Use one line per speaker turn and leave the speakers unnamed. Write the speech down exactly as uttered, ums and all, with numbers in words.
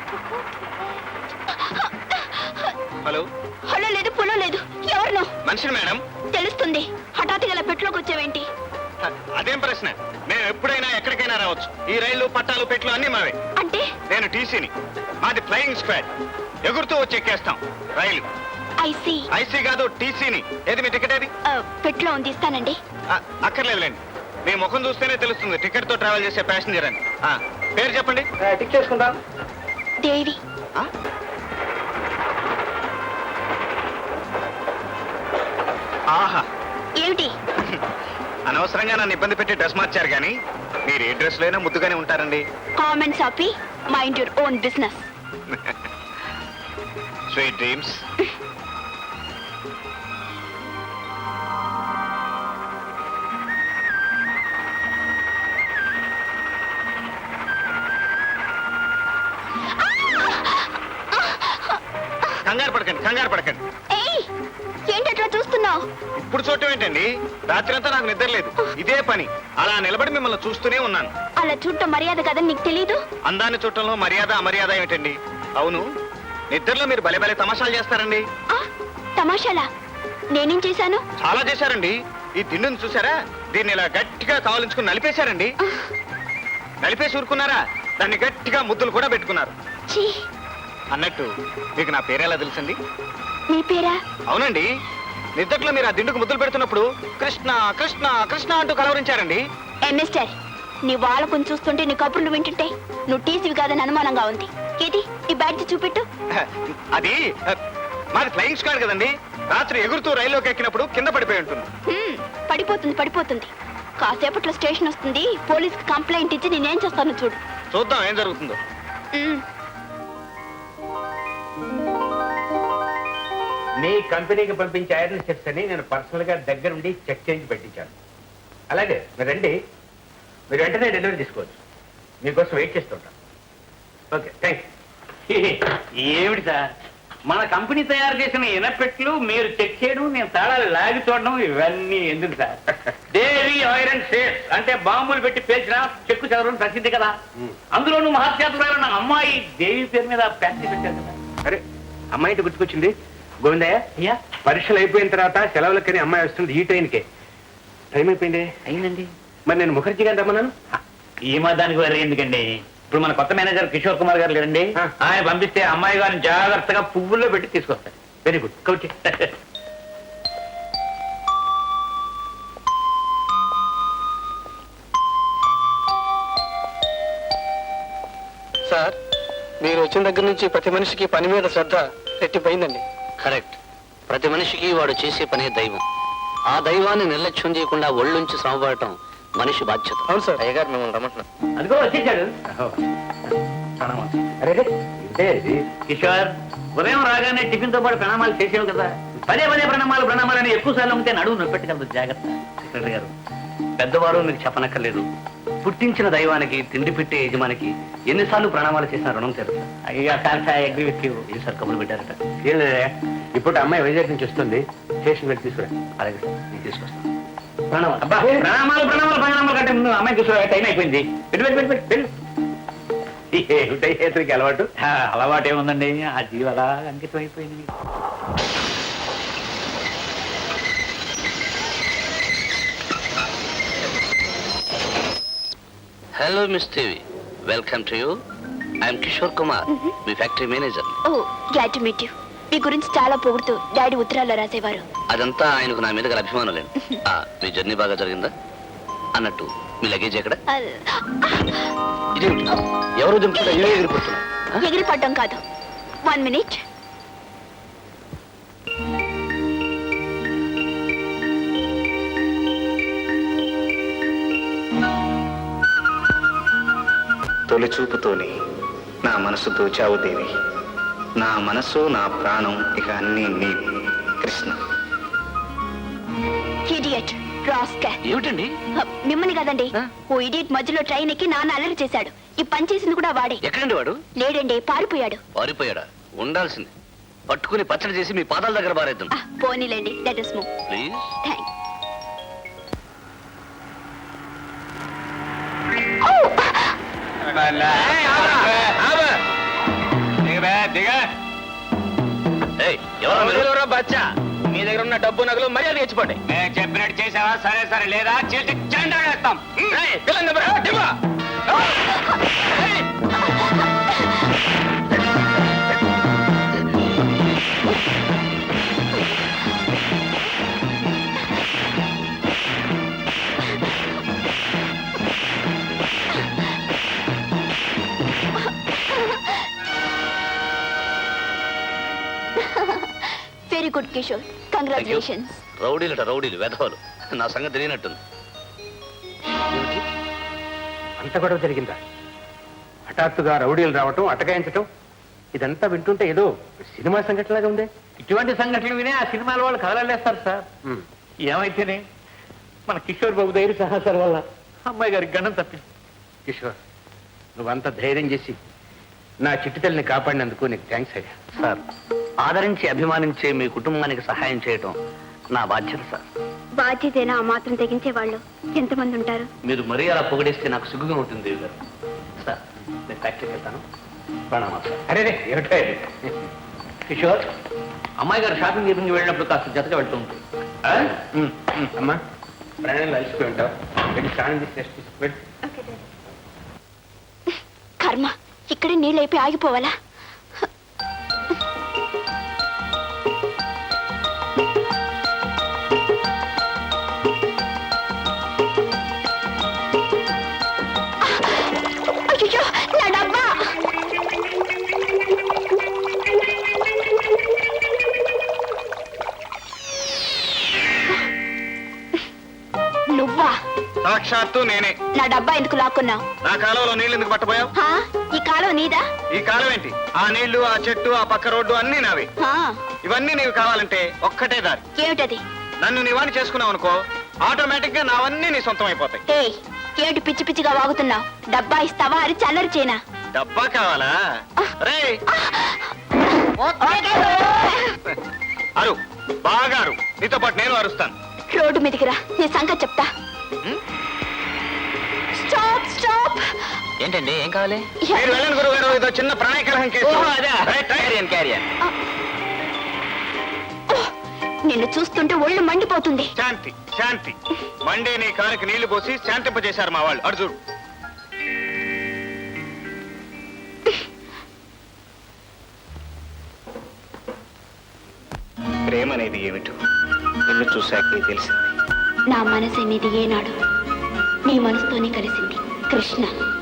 Hello
hello లేదు పులో లేదు. ఎవరు
మనిషిని మేడం.
తెలుస్తుంది. హఠాత్తుగా ఇలా పెట్టులోకి వచ్చావేంటి?
అదేం ప్రశ్న? నేను ఎప్పుడైనా ఎక్కడికైనా రావచ్చు. ఈ రైళ్లు పట్టాలు పెట్లు అన్ని మావే.
అంటే
నేను టీసీని. మాది ఫ్లయింగ్ స్క్వాడ్. ఎగురుతూ వచ్చి ఎక్కేస్తాం రైలు.
ఐసీ
ఐసీ కాదు టీసీని. ఏది మీ టికెట్ ఏది?
పెట్లో ఉంది, ఇస్తానండి.
అక్కర్లేదులేండి, మీ ముఖం చూస్తేనే తెలుస్తుంది టికెట్ తో ట్రావెల్ చేసే ప్యాసింజర్ అని. పేరు చెప్పండి. టిక్ చేసుకుందాం.
దేవి.
ఆహా,
ఏమిటి?
అనవసరంగా నన్ను ఇబ్బంది పెట్టి డ్రెస్ మార్చారు, కానీ మీరు ఏ డ్రెస్ లోనే ముద్దుగానే ఉంటారండి.
కామెంట్స్ ఆపి mind your own business.
Sweet dreams. కంగారు పడకండి, కంగారు పడకండి.
ఏంటట్లా చూస్తున్నావు?
ఇప్పుడు చూడటం ఏంటండి? రాత్రంతా నాకు నిద్ర లేదు, ఇదే పని. అలా నిలబడి మిమ్మల్ని చూస్తూనే ఉన్నాను.
అలా చూడటం మర్యాద కదని నీకు తెలీదు?
అందాన్ని చూడటంలో మర్యాద అమర్యాద ఏమిటండి? అవును, నిద్రలో మీరు భలే భలే తమాషాలు చేస్తారండి.
తమాషాలా? నేనేం చేశాను?
చాలా చేశారండి. ఈ దిండును చూసారా? దీన్ని ఇలా గట్టిగా కావలించుకుని నలిపేశారండి. నలిపేసి ఊరుకున్నారా? దాన్ని గట్టిగా ముద్దులు కూడా పెట్టుకున్నారు. అన్నట్టు మీకు నా పేరు ఎలా తెలుసండి?
నీ పేరా?
అవునండి, నిద్దట్లో మీరు ఆ దిండుకు ముద్దులు పెడుతున్నప్పుడు కృష్ణ కృష్ణ కృష్ణ అంటూ కలవరించారండి.
ఏ మిస్టర్, నీ వాళ్ళకు చూస్తుంటే నీ కబుర్లు వింటుంటే నువ్వు టీసీవి కాదని అనుమానంగా ఉంది. ఏది ఈ బ్యాడ్జ్ చూపెట్టు.
అది మాది ఫ్లయింగ్ స్క్వాడ్ కదండి. రాత్రి ఎగురుతూ రైల్లోకి ఎక్కినప్పుడు కింద పడిపోయి ఉంటుంది.
పడిపోతుంది పడిపోతుంది కాసేపట్లో స్టేషన్ వస్తుంది. పోలీస్ కంప్లైంట్ ఇచ్చి నేనేం చేస్తాను చూడు.
చూద్దాం ఏం జరుగుతుందో.
మీ కంపెనీకి పంపించే ఐరన్ షర్ట్స్ అని నేను పర్సనల్ గా దగ్గరుండి చెక్ చేయించి పెట్టించాను. అలాగే మీరు రండి, మీరు వెంటనే డెలివరీ తీసుకోవచ్చు. మీకోసం వెయిట్ చేస్తుంటాను. Okay, thank you.
ఏమిటి సార్, మన కంపెనీ తయారు చేసిన ఇనపెట్లు మీరు చెక్ చేయడం, నేను తాళాలు లాగి చూడడం, ఇవన్నీ ఎందుకు సార్? దేవి ఐరన్ షేర్స్ అంటే బాంబులు పెట్టి పేల్చిన చెక్కు చదవడం ప్రసిద్ధి కదా. అందులోనూ మహాత్యాతులైన అమ్మాయి దేవి పేరు మీద ఫ్యాక్టరీ పెట్టారు కదా.
అరే, అమ్మాయి గుర్తుకొచ్చింది. గోవిందయ్య, పరీక్షలు అయిపోయిన తర్వాత సెలవులకని అమ్మాయి వస్తుంది. ఈ ట్రైన్కే టైం అయిపోయింది.
అయిందండి.
మరి నేను ముఖర్జీ గారిని రమ్మన్నాను.
ఈ మాదానికి వేరే ఎందుకండి? ఇప్పుడు మన కొత్త మేనేజర్ కిషోర్ కుమార్ గారు లేరండి, ఆయన పంపిస్తే అమ్మాయి గారిని జాగ్రత్తగా పువ్వుల్లో పెట్టి తీసుకొస్తారు.
Very good, Cauchy.
సార్, మీరు వచ్చిన దగ్గర నుంచి ప్రతి మనిషికి పని మీద శ్రద్ధ రెట్టిపోయిందండి.
కరెక్ట్. ప్రతి మనిషికి వాడు చేసే పనే దైవం. ఆ దైవాన్ని నిర్లక్ష్యం చేయకుండా ఒళ్ళుంచి శ్రమపడటం మనిషి బాధ్యత.
అవును సార్.
అయ్యగారు మిమ్మల్ని రమ్మంటున్నారు.
అదిగో వచ్చేసాడు. కిషోర్, ఉదయం రాగానే టిఫిన్ తో పాటు ప్రణామాలు చేసేవి కదా. పదే పదే ప్రణామాలు ప్రణామాలు అని ఎక్కువ సార్లు ఉంటే నడువు నొప్పెట్టగలదు. జాగ్రత్త. సెక్రటరీ గారు, పెద్దవారు మీకు చెప్పనక్కర్లేదు. పుట్టించిన దైవానికి, తిండి పెట్టే యజమానికి ఎన్నిసార్లు ప్రణామాలు చేసిన రుణం తీరుతా. అయ్యా ఏ సార్ కబుర్లు పెట్టారట?
ఏం లేదా, ఇప్పుడు అమ్మాయి వైజాగ్ నుంచి వస్తుంది. స్టేషన్ వెళ్ళి తీసుకురా.
అలాగే సార్, నేను తీసుకొస్తాను. ప్రణామాలు. అబ్బా, ప్రణామాలు ప్రణామాలు ప్రణామాలు కంటే ముందు అమ్మాయి తీసుకురా. టైం అయిపోయింది. పెట్టు పెట్టు పెట్టు పెట్టు పెట్టు.
ఏమిటైతే అలవాటు?
అలవాటు ఏముందండి, ఆ జీవి అలా అంకితం అయిపోయింది.
Hello miss Devi, welcome to you. I'm Kishore Kumar, మీ factory manager.
Oh, glad to meet you. మీ గురించి చాలా పొగుడుతూ డాడీ ఉత్తరాల్లో రాసేవారు.
అదంతా ఆయనకు నా మీద గల అభిమానం లేదు. మీ జర్నీ బాగా జరిగిందా? అన్నట్టు మీ లగేజ్ ఎక్కడ? ఇదేమిటి, ఎవరు దింపుతుందా? ఇవే ఎగిరిపోతున్నా.
ఎగిరిపడ్డం కాదు. One minute.
తొలి చూపుతోని నా మనసు దోచావు దేవి. నా మనసు, నా ప్రాణం, ఇక అన్నీ నీ. కృష్ణ.
Idiot, rascal.
ఏమిటండి?
మిమ్మల్ని కదండి. ఓ ఇడియట్ మధ్యలో ట్రైన్ ఎక్కి నాన్న అల్లరి చేశాడు. ఈ పని చేసింది కూడా వాడే.
ఎక్కడండి వాడు?
లేడండి, పారిపోయాడు.
పారిపోయాడా? ఉండాల్సింది. పట్టుకుని పచ్చడి చేసి మీ పాదాల దగ్గర బారేద్దాం.
పోనీలేండి, let us move.
Please.
Thanks.
ఏయ్, ఎవరా మీరు?
ఎవరో బచ్చా మీ దగ్గర ఉన్న డబ్బు నగలు మర్యాద తెచ్చిపోండి.
నేను చెప్పినట్టు చేసావా? సరే సరే, లేదా చేసి జెండా వేస్తాం.
ఏయ్, పిల్లని దెబ్బ, దెబ్బ. ఏయ్.
Very good Kishore, congratulations.
రౌడీలట రౌడీలు వెధవలు. నా సంగతి తెలియనట్టుంది.
ఏమిటి? అంత గొడవ జరిగిందా? హఠాత్తుగా రౌడీలు రావటం, అటకాయించటం, ఇదంతా వింటుంటే ఏదో సినిమా సంఘటనలాగా ఉందే.
ఇటువంటి సంఘటనలు వినే ఆ సినిమాల వాళ్ళు కదలలేస్తారు సార్.
ఉమ్.
ఏమైతేనే మన కిషోర్ బాబు ధైర్య సాహసాల వల్ల అమ్మాయి గారికి గణం తప్పింది.
కిషోర్, నువ్వంత ధైర్యం చేసి నా చిట్టి తల్లిని కాపాడినందుకు నీకు థ్యాంక్స్ అయ్యా.
సార్, ఆదరించి అభిమానించే మీ కుటుంబానికి సహాయం చేయటం నా బాధ్యత సార్.
బాధ్యతేనా ఆ మాత్రం తెగించే వాళ్ళు ఎంతమంది ఉంటారు?
మీరు మరీ అలా పొగిడేస్తే నాకు సిగ్గుగా ఉంటుంది దేవి గారు. సార్, నేను ఫ్యాక్టరీకి వెళ్తాను. ప్రణామా సార్.
అరే రే, ఏమిటో ఇది?
కిషోర్, అమ్మాయి గారు షాపింగ్ చేపించి వెళ్ళినప్పుడు కాస్త జతగా వెళ్తూ ఉంటుంది.
ఆ? ఉమ్, ఉమ్, అమ్మా ప్రయాణంలో అలసిపోయి ఉంటావు. వెళ్ళి స్నానం చేసి రెస్ట్ తీసుకో, వెళ్ళు.
కర్మ, ఇక్కడే నీళ్ళు అయిపోయి ఆగిపోవాలా? అయ్యో, నా డబ్బా! నువ్వా?
సాక్షాత్తు నేనే.
నా డబ్బా ఎందుకు లాక్కున్నావు?
నా కాలంలో నీళ్ళు ఎందుకు పట్టబోయావు?
హా? ఈ కాలం నీదా?
ఈ కాలం ఏంటి? ఆ నీళ్లు, ఆ చెట్టు, ఆ పక్క రోడ్డు అన్నీ నావే.
హా,
ఇవన్నీ నీవు కావాలంటే ఒక్కటే దారి.
ఏమిటది?
నన్ను నీవాని చేసుకున్నావు అనుకో, ఆటోమేటిక్ గా నావన్నీ నీ సొంతం అయిపోతాయి.
ఏయ్, ఏమిటి పిచ్చి పిచ్చిగా వాగుతున్నావు? డబ్బా ఇస్తావా? అది చల్లరి చేనా?
డబ్బా కావాలా? రే అరు, బాగా అరు. నీతో పాటు నేను అరుస్తాను.
రోడ్డు మీదకి రా, నీ సంగతి చెప్తా. Stop stop!
ఏంటండి, ఏం కావాలి?
మీరు వెళ్ళండి గురువు గారు, ఇదో చిన్న ప్రణయ కలహం కేసు.
ఓహో, అదా?
Right, right.
ఓహ్, నిన్ను చూస్తుంటే ఒళ్ళు మండిపోతుంది.
శాంతి శాంతి. మండే నీ కారుకి నీళ్లు పోసి శాంతింపజేశారు మా వాళ్ళు. అడు చూడు. ప్రేమ అనేది ఏమిటో నిన్ను చూశాకే తెలిసింది.
నా మనసు అనేది ఏనాడు నీ మనసుతోనే కలిసింది కృష్ణ.